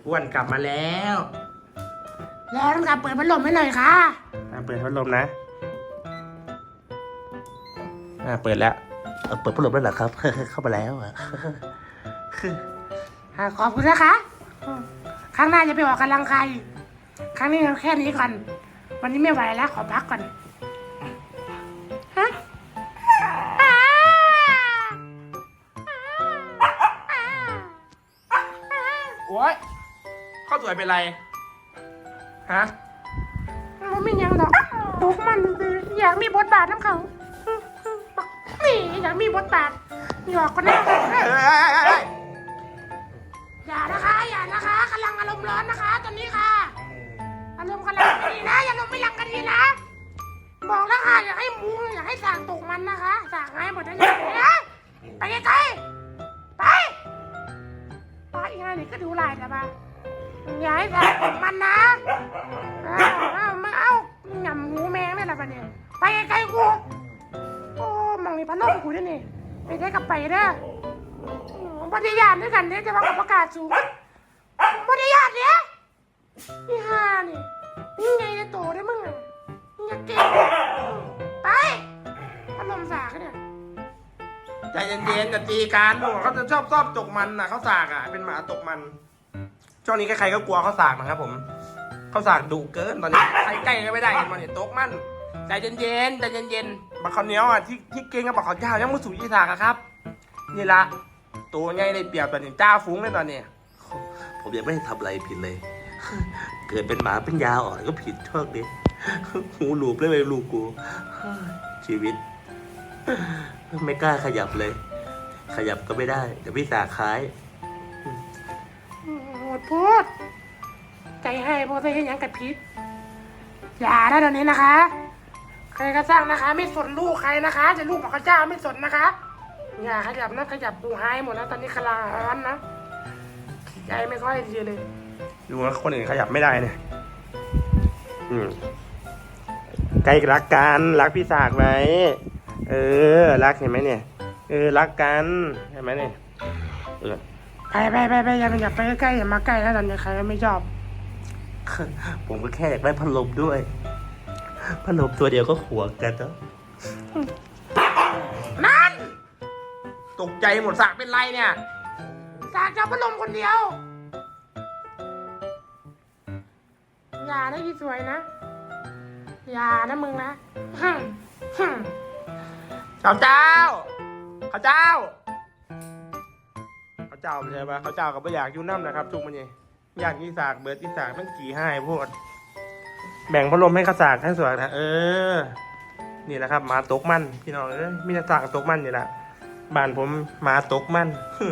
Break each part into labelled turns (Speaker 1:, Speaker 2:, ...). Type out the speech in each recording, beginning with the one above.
Speaker 1: อ้วนกลับมาแล้ว
Speaker 2: แล้วต้องการเปิดพัดลมให้หน่อยค่ะ
Speaker 1: เปิดพัดลมนะเปิดแล้วเปิดพัดลมแล้วเหรอครับ เข้ามาแล้ว
Speaker 2: ขอบคุณนะคะครั้งหน้าจะไปออกกำลังกายอีกครั้งนี้แค่นี้ก่อนวันนี้ไม่ไหวแล้วขอพักก่อนฮะ
Speaker 1: โอ๊ยข้าวสวยเป็นไรฮะ
Speaker 2: มันไม่ยังหรอกตุกมันอยากมีบทบาทน้ำเขานี่อยากมีบทบาทหยอกกันนะอย่านะคะกำลังอารมณ์ร้อนนะคะตอนนี้ค่ะอารมณ์กำลังดีนะอย่าลมไม่ยังกันดีนะบอกแล้วค่ะอยากให้มูอยากให้สางตกมันนะคะสางให้หมดทั้งนี้นะไปไกลๆไปอีกหน่อยนี่ก็ดูลายแต่บ้าอย่าให้สางตกมันนะมาเอาหย่ำหูแมงนี่แหละบ้าเนี่ยไปไกลๆกูโอ้มังมีพัดลมกูด้วยนี่ไปได้กับไปเด้อปฏิญาณด้วยกันเนี่ยจะว่ากับประกาศสูงปฏิญาณเนี่ยนี่ฮานี่นี่ไงจะโตได้มึงอ่ะนี่จะเก่งไปพัดลมสากเนี่ย
Speaker 1: ใจเย็นๆจะตีกันเขาจะชอบตกมันนะเขาสากอ่ะเป็นหมาตกมันช่วงนี้ใครๆก็กลัวเขาสากนะครับผมเขาสากดุเกินตอนนี้ใครใกล้ก็ไม่ได้เห็นมันเนี่ยตกมันใจเย็นบักข้าวเหนียวอ่ะที่เก่งกับบักข้าวเจ้ายังไม่สู่ยี่สากอะครับนี่ละตัวใหญ่ได้เปรียบตอนนี้จ้าฟุ้งเลยตอนนี้ผมยังไม่ได้ทำอะไรผิดเลย เกิดเป็นหมาเป็นยาอ่อนก็ผิดโทษดิหูหลูบเลยลูกกูชีวิตไม่กล้าขยับเลย ขยับก็ไม่ได้เดี๋ยวพี่สาคล้าย
Speaker 2: โหดพูดใจให้พวกเธอเห็นยังกับพิษอย่านะเดี๋ยวนี้นะคะใครก็สร้างนะคะไม่สนลูกใครนะคะจะลูกบอกข้าเจ้าไม่สนนะคะอย่าขยับนะขยับปูหายหมดแล้วตอนนี้คลาร้อนนะใจไม่ค่อยดีเลย
Speaker 1: ดูนะคนอื่นขยับไม่ได้เนี่ยใกล้รักกันรักพี่สากไหมรักเห็นไหมเนี่ยรักกันเห็นไหมเนี่ย
Speaker 2: ไปอย่าไปใกล้อย่ามาใกล้แล้วตอนนี้ใครไม่ชอบ
Speaker 1: ผมก็แค่อยากได้พัดลมด้วยพัดลมตัวเดียวก็ขวงกันแล้ว
Speaker 2: นั่น
Speaker 1: ตกใจหมดสากเป็นไรเนี่ย
Speaker 2: สากจะพัดลมคนเดียวอย่าได้ที่สวยนะอย่านะมึงนะ
Speaker 1: ข้าวเจ้าไม่ใช่ปะข้าวเจ้าก็ไม่อยากยุ่น้ำนะครับทุกมันเนี่ยอยากยี่สากเบิร์ดยี่สากมันกี่ให้พวกแบ่งพัดลมให้ข้าสากให้สวยนะนี่แหละครับหมาตกมันพี่น้องมีแต่สากตกมันนี่แหละบ้านผมหมาตกมัน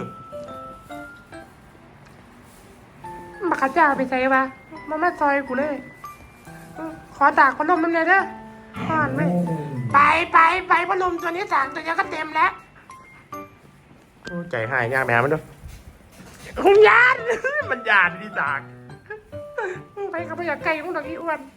Speaker 2: มาข้าเจ้าไปใส่ปะมาซอยกูเลยขอตากพัดลมน้ำเลยเด้อห่อนไหมไปพัดลมตัวนี้สากตัวนี้ก็เต็มแล้ว
Speaker 1: ใจหายยากแม่มันด้วย
Speaker 2: คุณยาน
Speaker 1: มันยานที่สาก
Speaker 2: ไปกับพยาไก่ของดอกอีอ้วน